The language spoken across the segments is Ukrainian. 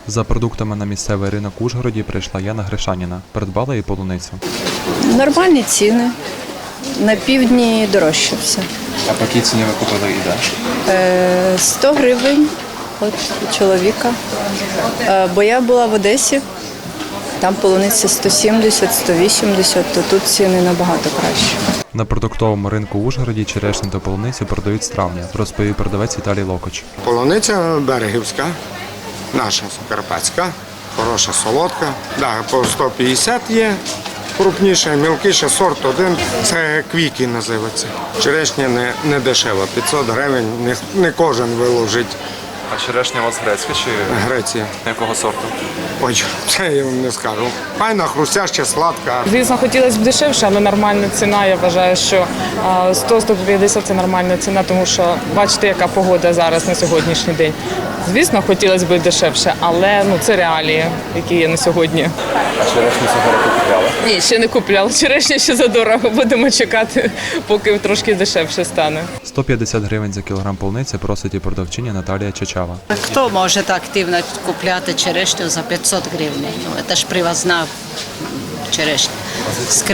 За продуктами на місцевий ринок в Ужгороді прийшла Яна Гришаніна. Придбала і полуницю. Нормальні ціни. На півдні дорожче все. А по якій ціні ви купили і де? 100 гривень от чоловіка. Бо я була в Одесі, там полуниця 170, 180, то тут ціни набагато кращі. На продуктовому ринку в Ужгороді черешню та полуницю продають з травня, розповів продавець Віталій Локоч. Полуниця берегівська, наша карпатська, хороша, солодка. Да, по 150 є, крупніша, мілкіша, сорт один. Це квіки називається. Черешня не дешева, 500 гривень, не кожен виложить. А черешня у вас грецька чи Греція. якого сорту? Ой, це я вам не скажу. Файна, хрустяща, сладка. Звісно, хотілося б дешевше, але нормальна ціна. Я вважаю, що 100-150 – це нормальна ціна, тому що бачите, яка погода зараз на сьогоднішній день. Звісно, хотілося б дешевше, але це реалії, які є на сьогодні. А черешню цього року купляли? Ні, ще не купляла. Черешня ще задорого. Будемо чекати, поки трошки дешевше стане. 150 гривень за кілограм полуниці просить і продавчиня Наталія Чачава. Хто може так активно купляти черешню за 500 гривень? Це ж привозна черешня. З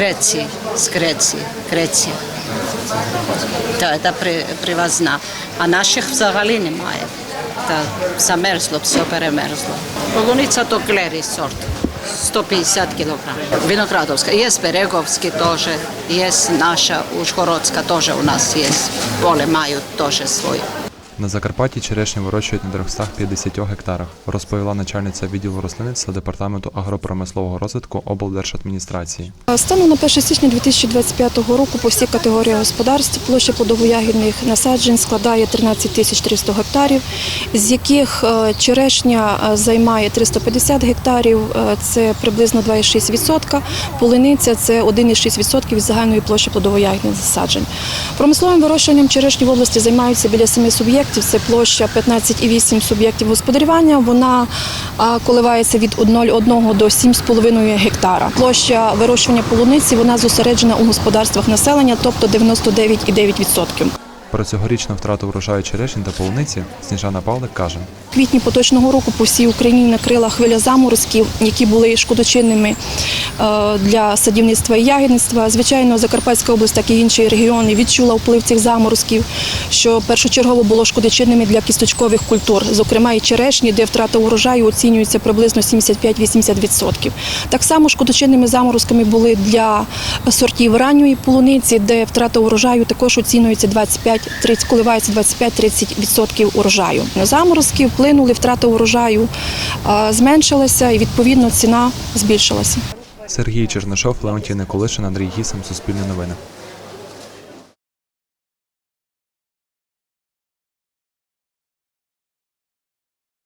Греції. Так, це привозна. А наших взагалі немає. Замерзло, все перемерзло. Полуниця – то клері сорт. 150 кілограм. Виноградовська. Є Береговська теж, є наша Ужгородська теж у нас є. Поле мають теж своє. На Закарпатті черешню вирощують на 350 гектарах, розповіла начальниця відділу рослинництва Департаменту агропромислового розвитку облдержадміністрації. Станом на 1 січня 2025 року по всій категорії господарств площа плодово-ягідних насаджень складає 13 300 гектарів, з яких черешня займає 350 гектарів, це приблизно 2,6%, полуниця – це 1,6% від загальної площі плодово-ягідних насаджень. Промисловим вирощуванням черешні в області займаються біля 7 суб'єктів. Це площа 15,8 суб'єктів господарювання, вона коливається від 0,1 до 7,5 гектара. Площа вирощування полуниці, вона зосереджена у господарствах населення, тобто 99,9%. Про цьогорічну втрату врожаю черешні та полуниці Сніжана Павлик каже. В квітні поточного року по всій Україні накрила хвиля заморозків, які були шкодочинними для садівництва і ягідництва. Звичайно, Закарпатська область, так і інші регіони відчула вплив цих заморозків, що першочергово було шкодочинними для кісточкових культур, зокрема і черешні, де втрата урожаю оцінюється приблизно 75-80%. Так само шкодочинними заморозками були для сортів ранньої полуниці, де втрата урожаю також оцінюється коливається 25-30% урожаю. Заморозки вплинули, втрата урожаю зменшилася і, відповідно, ціна збільшилася. Сергій Чернишов, Леонтій Николишин, Андрій Гісом, Суспільне новини.